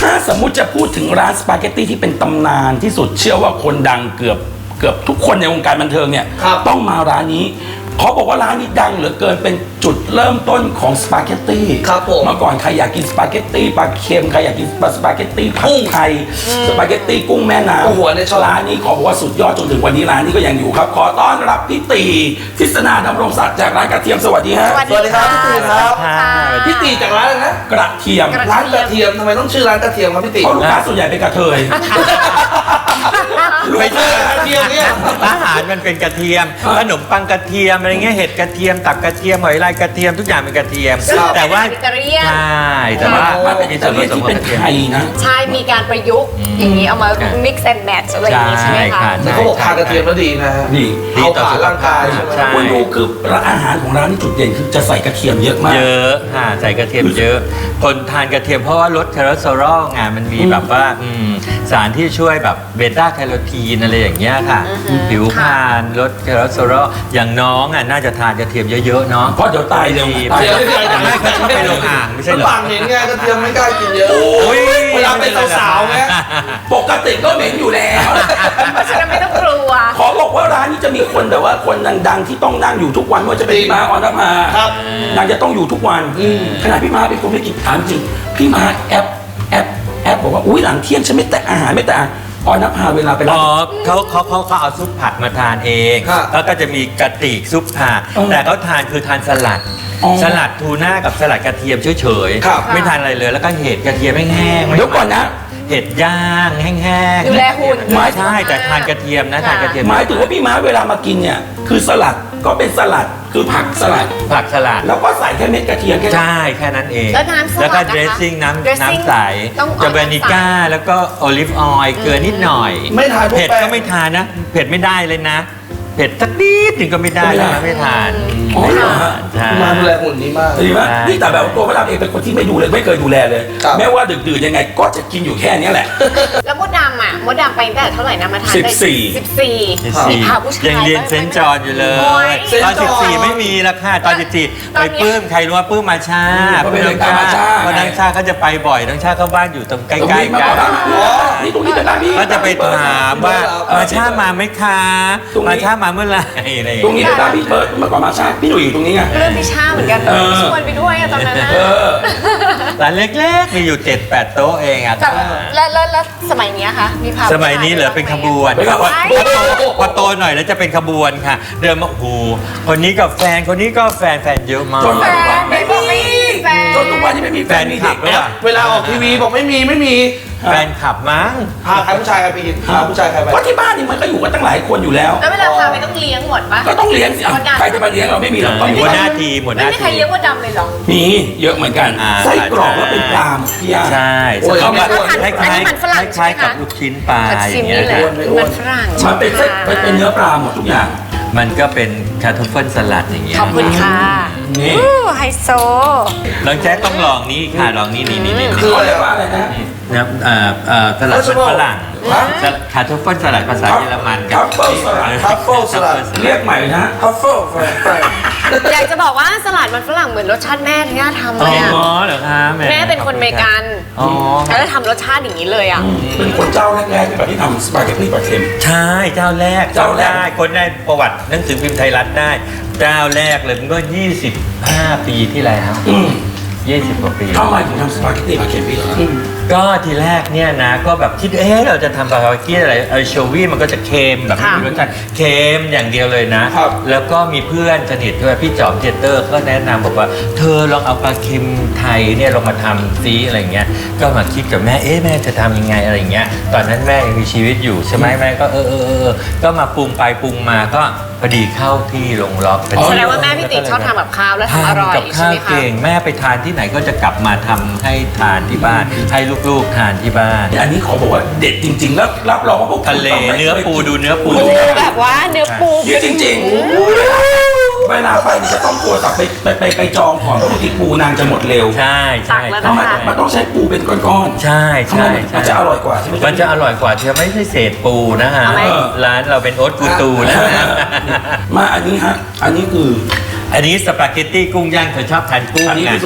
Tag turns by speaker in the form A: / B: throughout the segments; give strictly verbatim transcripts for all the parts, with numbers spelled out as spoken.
A: ถ้าสมมุติจะพูดถึงร้านสปาเกตตี้ที่เป็นตำนานที่สุดเชื่อว่าคนดังเกือบเกือบทุกคนในวงการบันเทิงเนี่ยต้องมาร้านนี้เขาบอกว่าร้านนี้ดังเหลือเกินเป็นจุดเริ่มต้นของสปาเกตตี้ครับผมเมื่อก่อนใครอยากกินสปาเกตตี้ปลาเค็มใครอยากกินสปาเกตตี้ผัดไทยสปาเกตตี้กุ้งแม่น้ำหัวในร้านนี้ขอบอกว่าสุดยอดจนถึงวันนี้ร้านนี้ก็ยังอยู่ครับขอต้อนรับพี่ตีทิศนาดำรงศักดิ์จากร้านกระเทียมสวัสดีฮะ
B: สวัสดีครับพี่ตีครับ
C: พี่ตีจากร้านอะไรนะ
A: กระเทียม
C: ร้านกระเทียมทำไมต้องชื่อร้านกระเทียมครับพี่ตี
A: เพราะลูกค้าส่วนใหญ่เป็นกระเทย
C: ไม่ใช่กระเทียมเนี่ย
B: อาหารมันเป็นกระเทียมขนมปังกระเทียมอะไรเงี้ยเห็ดกระเทียมตับกระเทียมหอยลายกระเทียมทุกอย่างเป็นกระเทียมแต่ว่าใช่แต่ว่า
A: มันเป็นอิตาเลียนที่เป็นไทยนะ
D: ใช่มีการประยุกต์อย่างนี้เอามา mix and match อะไรอย่างนี้ใช่ไหมคะ
C: เขาบอกทานกระเทียมแล้วดีนะ
A: ดี
C: ดีต่อร่างกายใช่
A: คุณดูคืออาหารของร้านนี่จุดเด่นคือจะใส่กระเทียมเยอะมาก
B: เยอะค่ะใส่กระเทียมเยอะคนทานกระเทียมเพราะว่าลดคอเลสเตอรอลไงมันมีแบบว่าสารที่ช่วยแบบเบต้าแคโรทีนอะไรอย่างเงี้ยค่ะผิวพรรณลดคอเลสเตอรอลอย่างน้องอ่ะน่าจะทานกระเทียมเยอะๆเนาะ
A: เพราะเดี๋ยวตายเร็ว
C: ตายเร็ว
B: ไม่เขาชอบไปลงอ่างไม่ใช่หรอ
C: ปากเหม็นไงกระเทียมไม่กล้ากินเยอะเวลาเป็นสาวๆไง
A: ปกติก็เหม็นอยู่แล้ว
D: เพราะฉะนั้นไม่ต้องกลัว
A: ขอบอกว่าร้านนี้จะมีคนแต่ว่าคนดังๆที่ต้องนั่งอยู่ทุกวันว่าจะเป็นพี่มาออนภานางจะต้องอยู่ทุกวันขณะพี่มาเป็นคนไม่กินถามจริงพี่มาแอปแอปแอปบอกว่าอุ้ยหลังเที่ยงฉันไม่แตะอาหารไม่แตะออนภาเวลาไปร้าน
B: อ๋อเขาเขาเขาเขาเอาซุปผักมาทานเองแล้วก็จะมีกระติกซุปผักแต่เขาทานคือทานสลัดสลัดทูน่ากับสลัดกระเทียมเฉยๆไม่ทานอะไรเลยแล้วก็เห็ดกระเทียมแห้งๆ
A: เดี๋ยวก่อนนะ
B: เห็ดย่างแห้งๆ
D: ดูแลหุ่น
B: ไม่ใช่แต่ทานกระเทียมนะทานกระเทียม
A: หมายถึงว่าพี่ม้าเวลามากินเนี่ยคือสลัดก็เป็นสลัดคือผักสลัด
B: ผักสลัด
A: แล้วก็ใส่แค่เม็ดกระเทียมแค่
B: ใช่แค่นั้นเอง
D: แล้วน้ำสลัด
B: แล้วก็เดรสซิ่งน้ำน้ำใสจะเบนิก้าแล้วก็โอลิฟออยล์เกลือนิดหน่อย
C: ไม่ทาน
B: เผ็ดก็ไม่ทานนะเผ็ดไม่ได้เลยนะเผ็ดสักนิดนึงก็ไม่ได้นะไม่ทาน
A: อ๋อเหรอฮะ
C: มาดูแลหุ่นนี้มาก
A: ดีมากนี่แต่แบบตัวพระรามเองเป็นคนที่ไม่ดูเลยไม่เคยดูแลเลยแม้ว่าดึกๆยังไงก็จะกินอยู่แค่นี้แหละ
D: แล้วมดดำอ่ะมดดำไปตั้งแต่เท่าไหร่นะมาทาน
A: สิบสี่
D: สิบสี่มีพาผู้ชาย
B: ยังเรียนเซนต์จอห์นอยู่เลยตอนสิบสี่ไม่มีแล้วค่ะตอนสิบสี่ไปปื้มใครรู้ว่าปื้มมาชาปื้มน้องชาเพราะน้องชาเขาจะไปบ่อยน้องชาเข้าบ้านอยู่ตรงใกล้ๆกัน
A: นี่ตรงนี้เป็นร้านพี่
B: ก็จะไปถามว่ามาชามาไหมคะมาชามาเมื่อไหร่
A: ตรงนี้เป็นร้านพี่เบิร์ดเมื่อก่อนมาชาพี่หนุ่ยอยู่ตรงนี้ไง
D: เรื่องพี่ชาเหมือนกันชวนไปด้วยตอนนั้นนะ
B: ร้านเล็กๆมีอยู่ เจ็ดแปด โต๊ะเองอ่ะ
D: แล้วแล้วสมัยนี้คะมีพา
B: สมัยนี้เหลือเป็นขบวนพอโตหน่อยแล้วจะเป็นขบวนค่ะเดินมาโอ้โหคนนี้กับแฟนคนนี้ก็แฟนแฟนเยอะมาก
A: จนวันนี้ไม่มีจนทุกวันนี้ไม่มีแฟนมีเด็ก
C: แล้วเวลาออกทีวีบอกไม่มีไม่มี
B: แฟนขับมั้ง
C: พาใครผู้ชายไปกินพาผู้ชายใครไป
A: เพราะที่บ้านนี่มันก็อยู่กันตั้งหลายคนอยู่แล้ว
D: แล้วเวลาพาไปต้องเลี้ยงหมดปะ
A: ก็ต้องเลี้ยงสิใครจะมาเลี้ยงเราไม่มีหรอก
B: หัวหน้าทีมหัวหน้าที
D: ไม่มีใครเลี้ยงมดดำเลยหรอ
A: มีเยอะเหมือนกันไส้กรอกแล้วเป็นปลาพี่ยา
B: ใช่
D: เขาคล้ายคล้าย
B: คล้ายกับลูกชิ้นปลาอย่างเงี้ย
D: มันฝรั่ง
A: มันเป็นเป็นเนื้อปลาหมดทุกอย่าง
B: มันก็เป็นคาทูเฟิลสลัดอย่างเงี้ย
D: ขอบคุณค่ะนี่ไฮโซ
B: ลองแจ๊คต้องลองนี่ค่ะลองนี่นี่นี่นี่
A: คืออะไรว่าอะไรนะ
B: นะเอ่อเอ่อสลัดมันฝรั่งคาทูเฟิลสลัดภาษาเยอรมัน
A: ทัฟเฟิลสลัดทัฟเฟิลสลัดเรียกใหม่นะทัฟเฟิล
D: อยากจะบอกว่าสลัดมันฝรั่งเหมือนรสชาติแม่ที่ย่าทำเลยอ่ะ
B: อ๋อเหรอคะ
D: แม่เป็นคนเมกันแล้วทำรสชาติอย่างนี้เลยอ่ะ
A: เป็นคนเจ้าแรกๆที่ทำสปาเกตตี้ปลาเค็ม
B: ใช่เจ้าแรกเจ้าแรกคนได้ประวัติหนังสือพิมพ์ไทยรัฐได้เจ้าแรกเลยมันก็ยี่สิบห้าปีที่แล้วยี่สิบกว่าปี
A: ทำไมถึงทำสปาเกตตี้ปลาเค็มพี่เหรอ
B: ก็ทีแรกเนี่ยนะก็แบบคิดเอ๊ะเราจะทำสปาเกตตี้อะไรไอโชวี่มันก็จะเค็มแบบมีรสชาติเค็มอย่างเดียวเลยนะแล้วก็มีเพื่อนสนิทด้วยพี่จอมเจเตอร์ก็แนะนำบอกว่าเธอลองเอาปลาเค็มไทยเนี่ยลองมาทำซีอะไรเงี้ยก็มาคิดกับแม่เอ๊ะแม่จะทำยังไงอะไรเงี้ยตอนนั้นแม่ยังมีชีวิตอยู่ใช่ไหมแม่ก็เออเออเออก็มาปรุงไปปรุงมาก็พอดีเข้าที่ลงล็อก
D: แสดงว่าแม่พี่ติ๊กชอบทำแบบข้าวแล้วทำอร่อย
B: กับข้าวเก่งแม่ไปทานที่ไหนก็จะกลับมาทำให้ทานที่บ้านให้ลูกๆทานที่บ้าน
A: อันนี้ขอบอกว่าเด็ดจริงๆแล้วรับรองว่าพวก
B: ทะเลเนื้อปูดูเนื้อปู
D: แบบว่าเนื้อปู
A: เยอะจริงๆเวลาไปจะต้องโทรศัพท์ไปไปไปไปจองก่อนเพราะบางทีปูนางจะหมดเร็ว
B: ใช่ใช่
A: มันต้องใช้ปูเป็นก้อน
B: ๆใช่ใช่
A: มันจะอร่อยกว่าใช่ไหม
B: มันจะอร่อยกว่าเธอไม่ใช่เศษปูนะฮะร้านเราเป็นโอ๊ตกูตูนะ
A: มาอันนี้ฮะอันนี้คือ
B: อันนี้สปาเกตตี้กุ้งย่างเธอชอบทานกุ้ง
A: อันนี้ที่สุด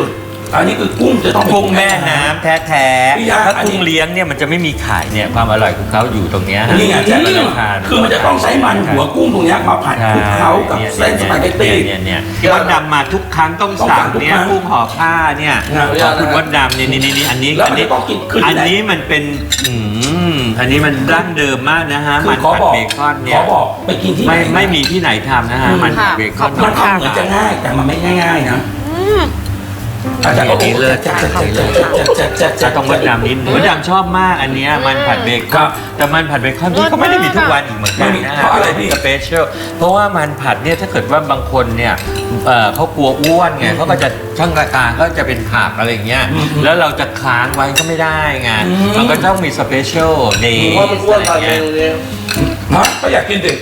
A: อันนี้คือกุ้งจะต้องเป็น
B: กุ้งแม่น้ำแท้
A: พี่ยา
B: ๆถ้า
A: อันนี้
B: กุ้งเลี้ยงเนี่ยมันจะไม่มีขายเนี่ยความอร่อยของเขาอยู่ตรงเนี้ย
A: นี่ไงแจ๊ค
B: เราจะทาน
A: คือมันจะต้องใช้มันหัวกุ้งตรงเนี้ยมาผัดคลุกเคล้ากับเส้นสปาเกตตี้
B: เนี่ยเนี่ยที่วัดดำมาทุกครั้งต้อง
A: ต้องสั่
B: สั่
A: ง
B: ง
A: ทุก
B: เนี่ย
A: ครั้ง
B: กุ้งห่อผ้าเนี่ย
A: นะ
B: ขอบคุณวัดดำเนี่ยนี่นี่นี่อันนี้
A: แล้ว
B: อั
A: มัน
B: นี้
A: จะต้องกินคือ
B: อั
A: ที่
B: น
A: ไหน
B: นี้มันเป็นอืมอันนี้มันดั้งเดิมมากนะฮะ
A: คื
B: มั
A: อน ขอ
B: ผัด
A: บอก
B: เบคอน
A: ข
B: เนี่
A: อย บอกไปกินที่ไหน
B: ไม่ไม่มีที่ไหนทำนะฮะมันผัดเบคอน
A: มันทำเหมือนจะง่ายแต่มันไม่ง่ายๆนะอาจารย์ก็โอ้โหแจ๊คแจ๊คแจ๊คแจ๊คแจ๊คแจ๊คแจ๊คแจ๊
B: จะ
A: ค
B: ต้องวัดดำนิดวัดดำชอบมากอันเนี้ยมันผัดเบค
A: ครั
B: อน
A: บ
B: แต่มันผัดเบคอนพี่ก็ไม่ได้มีทุกวันอีกเหมือนกัน
A: ไม่มี
B: นะ
A: เพราะอะไรพี่
B: สเปเชียลเพราะว่ามันผัดเนี่ยถ้าเกิดว่าบางคนเนี่ยเอ่อเขากลัวอ้วนไงเขาก็จะช่างรายการก็จะเป็นผักอะไรอย่างเงี้ยแล้วเราจะค้างไว้ก็ไม่ได้ไงมันก็ต้องมีสเปเชียลเดย์
C: ว่ามันอ้วนตอนนี้เนี่ย
A: ฮะก็อยากกินสิ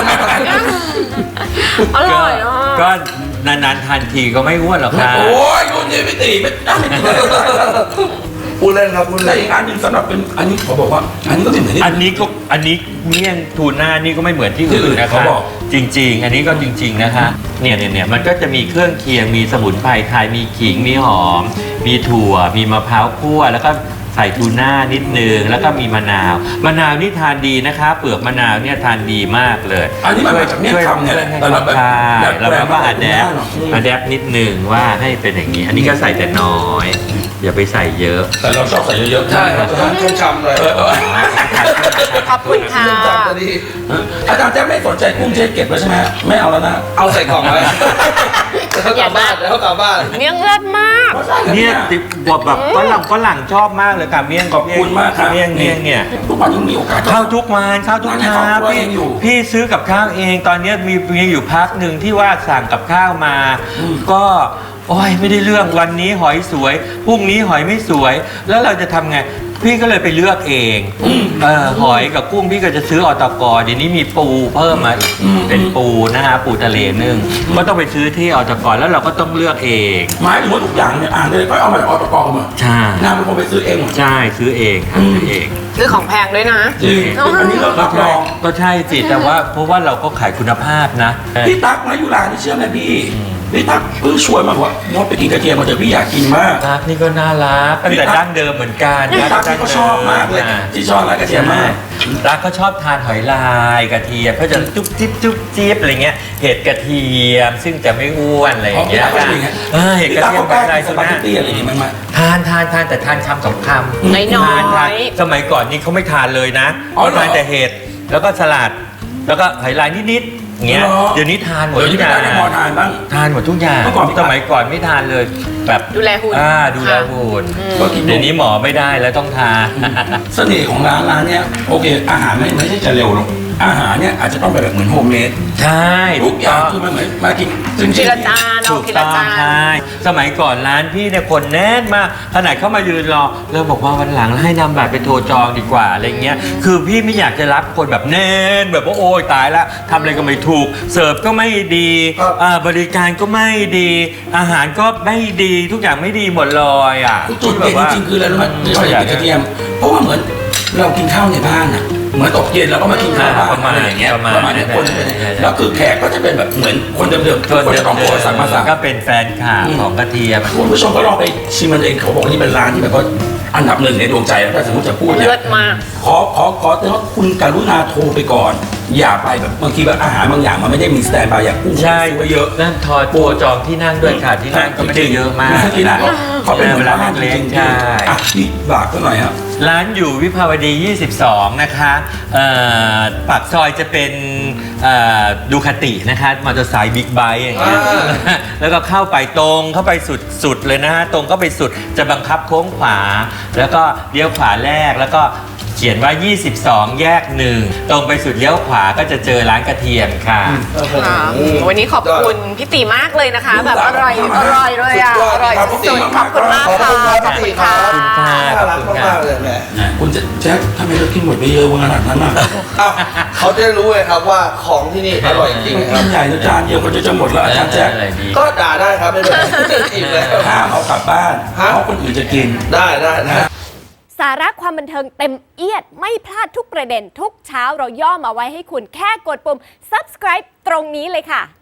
D: อร่อยอ่ะ
B: ก็นานๆทานทีก็ไม่อ้วนหรอกครับ
A: โอ้ยรุ่นนี้ไม่ตีไม่ได้ไม่ตีเลย
C: พูดเล่นครับพูด
A: แต่
C: เล่น
A: อีกอันหนึ่งสำหรับเป็นอันนี้เขาบอกว่า อันนี้ก็เป็นเหมือนที่
B: อันนี้ก็อันนี้เมี่ยงทูน่านี่ก็ไม่เหมือนที่
A: ที่อื่
B: อื่น
A: น
B: นะค
A: เขา
B: รับ
A: บอก
B: จริง ๆ อันนี้ก็จริง ๆนะคะเนี่ยเนี่ยเนี่ยมันก็จะมีเครื่องเคียงมีสมุนไพรไทยมีขิงมีหอม มีถั่ว มีมะพร้าวคั่วแล้วก็ใส่ทูน่านิดนึงแล้วก็มีมะนาวมะนาวนี่ทานดีนะคะเปลือกมะนาวเนี่ยทานดีมากเลย
A: อันนี้มันมาจากเมี่ยงคำเนี่ยแหละแต่เราแบบ
B: ใช่
A: แบบ
B: เราแบบว่าอะแดป
A: อืม
B: อะแดปนิดนึงว่าให้เป็นอย่างนี้ อันนี้ก็ใส่แต่น้อย อย่าไปใส่เยอะ
A: แต่เราชอบใส่เยอะๆ
C: ใช่ครับจะต้องชุ่มฉ่ำเลย
A: เออเออ
D: ขอบคุณค่ะ
C: ชุ่มฉ่ำจะดี
A: อาจารย์แจ๊คไม่สนใจกุ้งเจ๊เก็บแล้วใช่ไหมไม่เอาแล้วนะ
C: เอาใส่กล่องไว้เดี๋ยวเขากลับบ้านเดี๋ยวเขากลับบ้าน
D: เมี่ยงเลิศมาก
B: เนี่ยติดบทแบบฝรั่งฝรั่งชอบมากเลยค่ะเมี่ยง
A: ขอบคุณมากครับ
B: เมี่ยงเมี่ยงเนี่ย
A: ทุกวันยังมีโอกาส
B: ข้าวทุกวันข้าวทุก
A: ร้าน
B: เช้า
A: ในครอบครัว
B: พี่
A: ยังอยู่
B: พี่ซื้อกับข้าวเองตอนเนี้ยมีมีอยู่พักหนึ่งที่ว่าสั่งกับข้าวมา
A: อืม
B: ก็โอ้ยไม่ได้เรื่องวันนี้หอยสวยพรุ่งนี้หอยไม่สวย แล้วเราจะทำไง พี่ก็เลยไปเลือกเองเออหอยกับกุ้งพี่ก็จะซื้ออตกเดี๋ยวนี้มีปูเพิ่มมาอีกเป็นปูนะฮะปูทะเลนึ่งก็ต้องไปซื้อที่อตกแล้วเราก็ต้องเลือกเอง
A: หมายถึงว่าทุกอย่างเนี่ยอ่านเลยก็เอามาจากอตกมา
B: ใช่
A: นางเป็นคนไปซื้อเองหมด
B: ใช่ซื้อเองหาซื้อเอง
D: ซื้อของแพงด้วยนะ
A: จริงอันนี้เรารับรอง
B: ก็ใช่สิแต่ว่าเพราะว่าเราก็ขายคุณภาพนะ
A: พี่ตั๊กมายุรานี่เชื่อไหมพี่พี่ตั๊กเพิ่งชวนมาบอกว่ามดไปกินกระเทียมมาเถอะพี่อยากกินมาก
B: รักนี่ก็น่ารักตั้งแต่ดั้งเดิมเหมือนกัน
A: พี่ตั๊กนี่ก็ชอบมากเลยที่ชอบร้านกระเทียมมาก
B: รักก็ชอบทานหอยลายกระเทียมเขาจะจุ๊บจิ๊บจุ๊บจิ๊บอะไรเงี้ยเห็ดกระเทียมซึ่งจะไม่อ้วนอะไรอย่างเงี้ย
A: อ๋อพี่ตั๊กก็เป็นอย่างเงี้ย
B: เออเห็ดกระเทียม
A: พี่ตั๊กก็
B: อะไร
A: สปาเกตตี้อะไรอย่างงี้มั้ยมั้ย
B: ทานทานทานแต่ทานคำสองคำ
D: น้อยๆ
B: ทานทานสมัยก่อนนี่เขาไม่ทานเลยนะ
A: อ๋อ
B: เขา
A: เหรอ
B: ทานแต่เห็ดแล้วก็สลัดแล้วก็หอยลายนิดๆอย่างเงี้ย
A: เหรอ
B: เดี๋ยวนี้ทานหมด
A: เดี๋ยว
B: ทุ
A: นี้
B: กอ
A: ไม่
B: ย่าง
A: ได้ในพอทานบ้าง
B: ทานหมดทุกอย่าง
A: เมื่อก่อนพี่
B: สมัยก่อนไม่ทานเลยแบบ
D: ดูแลหุ่น
B: อ่าดูแลหุ่น
A: ก็กิน
B: เดี๋ยวนี้หมอไม่ได้แล้วต้องทาน
A: เสน่ห์ของร้านร้านเนี้ยโอเค อาหารไม่ไม่ใช่จะเร็วหรอกอาหารเนี่ยอาจจะต้องเป็นแบบเหมือนโฮมเมด
B: ใช่
A: ทุกอย่างคือมันเหมือนมากินจริงๆ
D: ทีละจานเอา
B: ถูก
D: ที
B: ต้
D: ละ
B: อง
D: จาน
B: ใช่สมัยก่อนร้านพี่เนี่ยคนแน่นมากขนาดเข้ามายืนรอเริ่มบอกว่าวันหลังให้นำบัตรไปโทรจองดีกว่าอะไรเงี้ยคือพี่ไม่อยากจะรับคนแบบแน่นแบบว่าโอ้ยตายละทำอะไรก็ไม่ถูกเสิร์ฟก็ไม่ดี
C: ครับ
B: อ่าบริการก็ไม่ดี อาหารก็ไม่ดีทุกอย่างไม่ดีหมดเลยอ่ะ
A: จุดเด่นจริงๆคืออะไรรู้ไหมที่เราอยากกินกระเทียม เพราะว่าเหมือนเรากินข้าวในบ้านอ่ะเหมือนตกเย็นเราก็มากินข้าวบ้านอะไรอย่างเงี้ยประมาณนี้คนจะเป็นอย่างเงี้ยแล้วคือแขกก็จะเป็นแบบเหมือนคนเดิมๆทุกคนจะต้องโทรสั่งมาสั่ง
B: ก็เป็นแฟนข่าวของกระเทียม
A: คุณผู้ชมก็ลองไปชิมมันเองเขาบอกว่านี่เป็นร้านที่แบบว่าอันดับหนึ่งในดวงใจแล้วถ้าสมมติจะพูดเนี่ย
D: เลิศมาก
A: ขอขอขอเตือนว่าคุณกรุณาโทรไปก่อน อย่าไปแบบบางทีแบบอาหารบางอย่างมันไม่ได้มีสแตนด์บายอย่างกุ้ง
B: ใช่
A: ซื้อไว้เยอะ
B: นั่นทอดตัวจองที่นั่งด้วยค่ะที่นั่งก็ไม่ได้เยอะมาก
A: ที่นั่งเขาเป็นเหมือนร้านจ
B: เล็ก
A: ริง
B: ๆใช่
A: ๆอ่ะพี่บากก็หน่อยครับ
B: ร้านอยู่วิภาวดี ยี่สิบสอง นะคะเอ่อปากซอยจะเป็นดูคาตินะคะมอเตอร์ไซค์บิ๊กไบค์อย่างเงี้ย
C: อ่า
B: แล้วก็เข้าไปตรงเข้าไปสุดสุดเลยนะฮะตรงเข้าไปสุดจะบังคับโค้งขวา แล้วก็เลี้ยวขวาแรกแล้วก็เขียนว่า ยี่สิบสอง แยกหนึ่งตรงไปสุดเลี้ยวขวาก็จะเจอร้านกระเทียมค่ะ
D: ค่ะวันนี้ขอบคุณพี่ตีมากเลยนะคะ แบบอร่อยอร่อยเลยอ่ะอร่อยสุดๆขอบคุณมาก
C: ขอบ
D: ค่ะ
C: คุณครับ
D: ขอบคุณค่ะ
B: ขอบคุณค่ะ
C: น่ารักมากๆเลยแหม่
A: คุณจะแจ็คทำไมเรากินหมดไปเยอะขนาดนั้นอ่ะ
C: เอ้าเขาจะได้รู้เลยครับว่าของที่นี่อร่อยจริงค
A: กิ
C: รับ
A: นใหญ่แล้วจานเดียวก็จะจะหมดแล้วอาจารย์แจ็ค
B: อะไรดี
C: ก็ด่าได้ครับไม่เป็นไรอิ่มแล้ว
A: ห้ามเอากลับบ้าน
C: ฮะ
A: เพราะคนอื่นจะกิน
C: ได้ได้ได้
E: สาระความบันเทิงเต็มเอียดไม่พลาดทุกประเด็นทุกเช้าเราย่อมาไว้ให้คุณแค่กดปุ่ม subscribe ตรงนี้เลยค่ะ